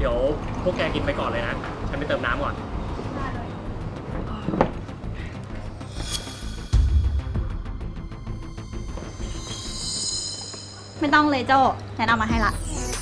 ดี๋ยวพวกแกกินไปก่อนเลยนะ ฉันไปเติมน้ำก่อนไม่ต้องเลยโจ้แนนเอามาให้ละ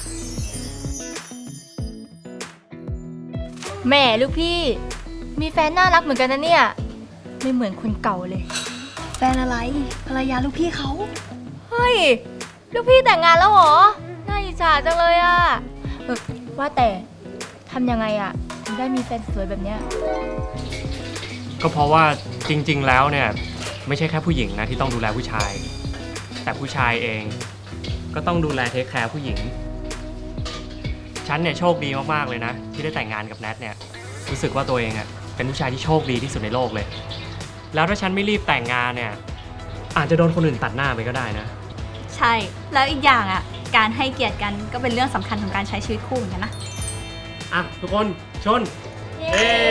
แหม่ลูกพี่ มีแฟนน่ารักเหมือนกันนะเนี่ย ไม่เหมือนคนเก่าเลยแฟนอะไรภรรยาลูกพี่เขาเฮ้ย ลูกพี่แต่งงานแล้วเหรอ น่าอิจฉาจังเลยอะว่าแต่ทำยังไงอะถึงได้มีแฟนสวยแบบเนี้ยก็เพราะว่าจริงๆแล้วเนี่ยไม่ใช่แค่ผู้หญิงนะที่ต้องดูแลผู้ชาย แต่ผู้ชายเองก็ต้องดูแลเทคแคร์ผู้หญิง ฉันเนี่ยโชคดีมากๆเลยนะที่ได้แต่งงานกับแนทเนี่ยรู้สึกว่าตัวเองอะเป็นผู้ชายที่โชคดีที่สุดในโลกเลย แล้วถ้าฉันไม่รีบแต่งงานเนี่ยอาจจะโดนคนอื่นตัดหน้าไปก็ได้นะใช่แล้วอีกอย่างอ่ะการให้เกียรติกันก็เป็นเรื่องสำคัญของการใช้ชีวิตคู่เหมือนกันนะอ่ะทุกคนชนเย้เอ้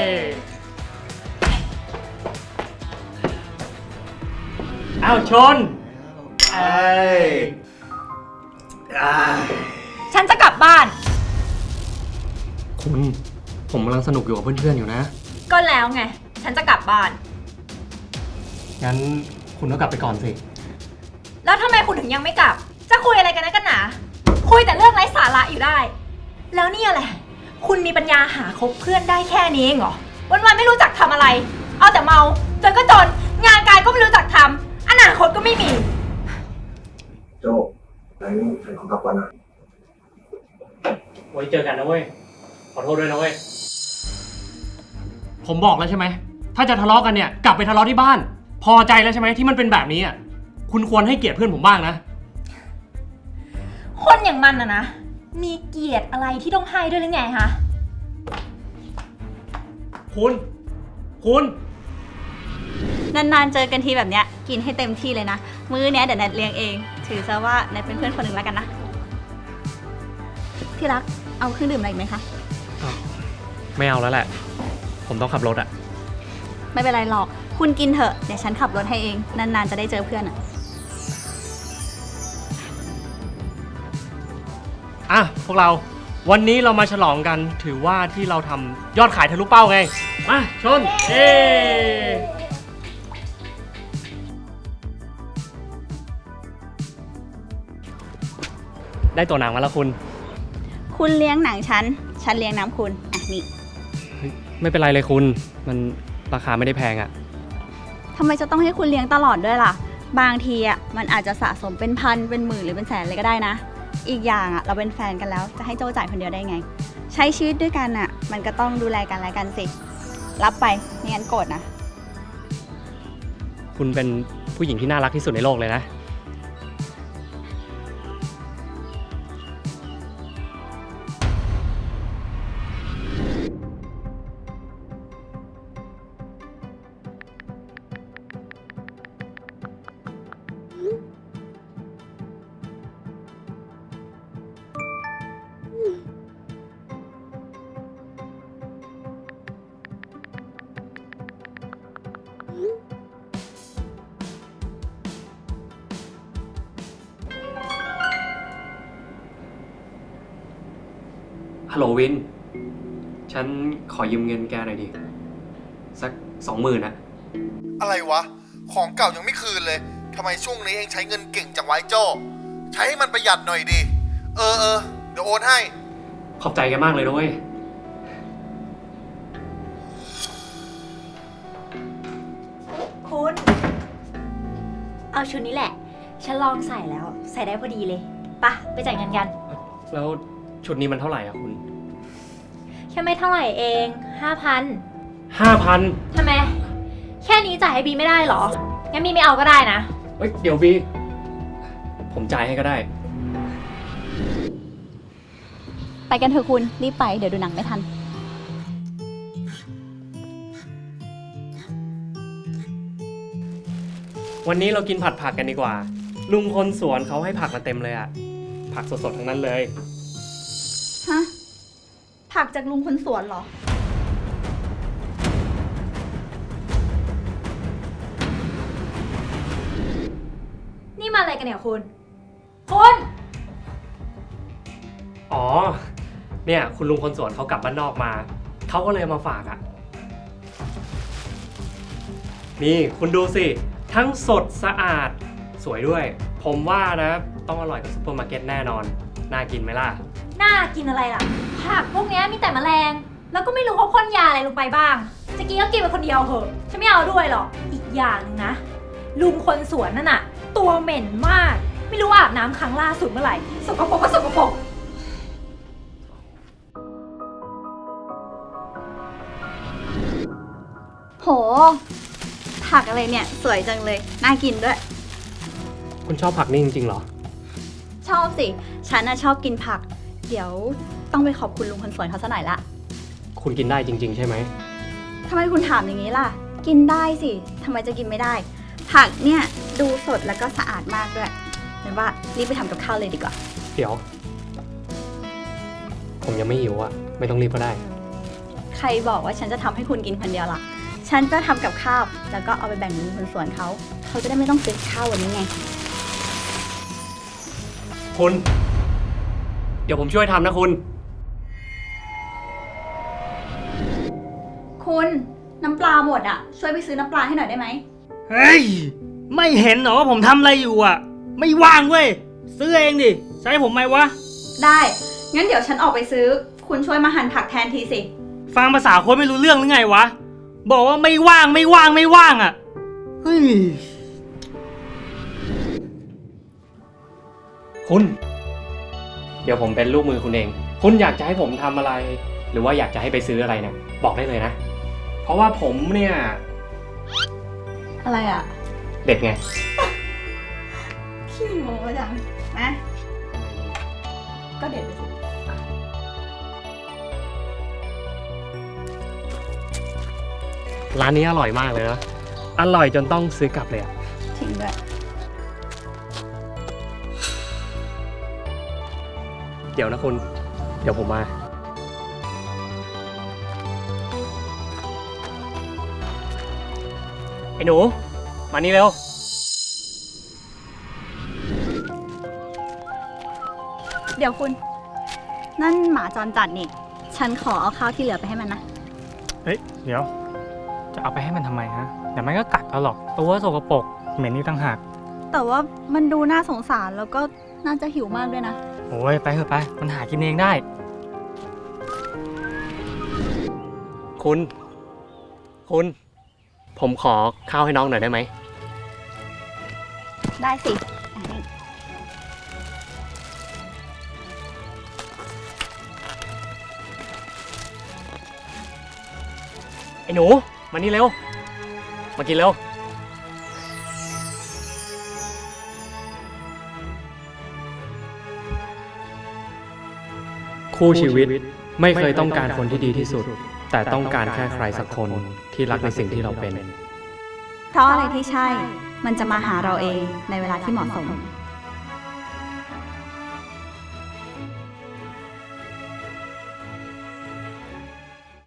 อ้าวชนเอ้ยฉันจะกลับบ้านคุณผมกำลังสนุกอยู่กับเพื่อนๆอยู่นะก็แล้วไง ฉันจะกลับบ้านงั้นคุณก็กลับไปก่อนสิแล้วทำไมคุณถึงยังไม่กลับ จะคุยอะไรกันนะกันหนาคุยแต่เรื่องไร้สาระอยู่ได้ แล้วนี่อะไร คุณมีปัญญาหาคบเพื่อนได้แค่นี้เองเหรอ วันๆไม่รู้จักทำอะไร เอาแต่เมาจนก็จน งานการก็ไม่รู้จักทำอนาคตก็ไม่มีโจ้ไหนของกลับก่อนนะไว้เจอกันนะเว้ย ขอโทษด้วยนะเว้ย ผมบอกแล้วใช่ไหม ถ้าจะทะเลาะกันเนี่ยกลับไปทะเลาะที่บ้าน พอใจแล้วใช่ไหมที่มันเป็นแบบนี้อ่ะ คุณควรให้เกียรติเพื่อนผมบ้างนะคนอย่างมันนะ มีเกียรติอะไรที่ต้องให้ด้วยหรือไงคะคุณนานๆเจอกันทีแบบเนี้ยกินให้เต็มที่เลยนะ มื้อเนี้ยเดี๋ยวแนทเลี้ยงเอง ถือซะว่าแนทเป็นเพื่อนคนหนึ่งแล้วกันนะ ที่รักเอาเครื่องดื่มอะไรอีกไหมคะไม่เอาแล้วแหละ ผมต้องขับรถอ่ะไม่เป็นไรหรอก คุณกินเถอะ เดี๋ยวฉันขับรถให้เอง นานๆจะได้เจอเพื่อนอะอ่ะพวกเรา วันนี้เรามาฉลองกัน ถือว่าที่เราทำยอดขายทะลุเป้าไง มาชน เย้ได้ตัวหนังมาแล้วคุณคุณเลี้ยงหนังฉัน ฉันเลี้ยงน้ำคุณ อ่ะนี่ไม่เป็นไรเลยคุณ มันราคาไม่ได้แพงอ่ะทำไมจะต้องให้คุณเลี้ยงตลอดด้วยล่ะ บางทีอ่ะมันอาจจะสะสมเป็นพัน เป็นหมื่นหรือเป็นแสนเลยก็ได้นะ อีกอย่างอ่ะเราเป็นแฟนกันแล้ว จะให้โจ้จ่ายคนเดียวได้ไง ใช้ชีวิตด้วยกันอ่ะ มันก็ต้องดูแลกันและกันสิ รับไปไม่งั้นโกรธนะคุณเป็นผู้หญิงที่น่ารักที่สุดในโลกเลยนะ ฮัลโหลวิน ฉันขอยืมเงินแกหน่อยดิ สัก20,000นะอะไรวะ ของเก่ายังไม่คืนเลย ทำไมช่วงนี้เองใช้เงินเก่งจังวะไอ้โจ้ใช้ให้มันประหยัดหน่อยดิ เเดี๋ยวโอนให้ขอบใจแกมากเลยนะเว้ยคุณ เอาชุดนี้แหละ ฉันลองใส่แล้ว ใส่ได้พอดีเลยปะไปจ่ายเงินกันแล้วชุดนี้มันเท่าไหร่อ่ะคุณแค่ไม่เท่าไหร่เอง 5,000 5,000 ทำไม แค่นี้จ่ายให้บีไม่ได้เหรอ งั้นบีไม่เอาก็ได้นะเฮ้ย เดี๋ยวบี ผมจ่ายให้ก็ได้ไปกันเถอะคุณ รีบไป เดี๋ยวดูหนังไม่ทันวันนี้เรากินผัดผักกันดีกว่า ลุงคนสวนเขาให้ผักมาเต็มเลยอ่ะ ผักสดๆทั้งนั้นเลยฮะ ผักจากลุงคนสวนเหรอนี่มาอะไรกันเนี่ยคุณ คุณอ๋อเนี่ยคุณลุงคนสวนเขากลับบ้านนอกมา เขาก็เลยเอามาฝากอะ่ะ นี่คุณดูสิ ทั้งสดสะอาดสวยด้วย ผมว่านะต้องอร่อยกว่าซุปเปอร์มาร์เก็ตแน่นอน น่ากินไหมล่ะน่ากินอะไรล่ะ ผักพวกเนี้ยมีแต่แมลง แล้วก็ไม่รู้เขาพ่นยาอะไรลงไปบ้าง จะกินก็กินไปคนเดียวเหอะ ฉันไม่เอาด้วยหรอก อีกอย่างหนึงนะ ลุงคนสวนนั่นน่ะ ตัวเหม็นมาก ไม่รู้อาบน้ำครั้งล่าสุดเมื่อไหร่ สกปรกก็สกปรกโห ผักอะไรเนี่ย สวยจังเลย น่ากินด้วยคุณชอบผักนี่จริงๆเหรอชอบสิ ฉันน่ะชอบกินผัก เดี๋ยวต้องไปขอบคุณลุงคนสวนเขาซะหน่อยละคุณกินได้จริง ๆ ใช่ไหมทำไมคุณถามอย่างนี้ล่ะ กินได้สิ ทำไมจะกินไม่ได้ ผักเนี่ยดูสดแล้วก็สะอาดมากด้วยงั้นว่ารีบไปทำกับข้าวเลยดีกว่าเดี๋ยว ผมยังไม่หิวอ่ะ ไม่ต้องรีบก็ได้ใครบอกว่าฉันจะทำให้คุณกินคนเดียวล่ะ ฉันจะทำกับข้าว แล้วก็เอาไปแบ่งลุงคนสวนเขา เขาจะได้ไม่ต้องซื้อข้าววันนี้ไงคุณ เดี๋ยวผมช่วยทำนะคุณคุณน้ำปลาหมดอ่ะ ช่วยไปซื้อน้ำปลาให้หน่อยได้ไหมเฮ้ย ไม่เห็นเหรอว่าผมทำอะไรอยู่อ่ะ ไม่ว่างเว้ย ซื้อเองดิใช้ผมไหมวะได้ งั้นเดี๋ยวฉันออกไปซื้อ คุณช่วยมาหั่นผักแทนทีสิฟังภาษาคนไม่รู้เรื่องหรือไงวะ บอกว่าไม่ว่างไม่ว่างไม่ว่างอ่ะ เฮ้ยคุณ เดี๋ยวผมเป็นลูกมือคุณเอง คุณอยากจะให้ผมทำอะไร หรือว่าอยากจะให้ไปซื้ออะไรเนี่ย บอกได้เลยนะ เพราะว่าผมเนี่ยอะไรอ่ะเด็ดไงขี้โม้จังนะก็เด็ดไปสิร้านนี้อร่อยมากเลยนะ อร่อยจนต้องซื้อกลับเลยอะทิ้งด้วยเดี๋ยวนะคุณ เดี๋ยวผมมา ไอ้หนู มานี่เร็วเดี๋ยวคุณ นั่นหมาจรจัดนี่ ฉันขอเอาข้าวที่เหลือไปให้มันนะเฮ้ย เดี๋ยว จะเอาไปให้มันทำไมฮะเดี๋ยวมันก็กัดเอาหรอก ตัวสกปรกเหม็นนี่ตั้งหากแต่ว่ามันดูน่าสงสารแล้วก็น่าจะหิวมากด้วยนะโอ้ย ไปเถอะไป มันหากินเองได้คุณ คุณ ผมขอข้าวให้น้องหน่อยได้ไหมได้สิไอ้หนู มานี่เร็ว มากินเร็ว คู่ชีวิตไม่เคยต้องการคนที่ดีที่สุด แต่ต้องการแค่ใครสักคนที่รักในสิ่งที่เราเป็นเพราะอะไรที่ใช่ มันจะมาหาเราเองในเวลาที่เหมาะสม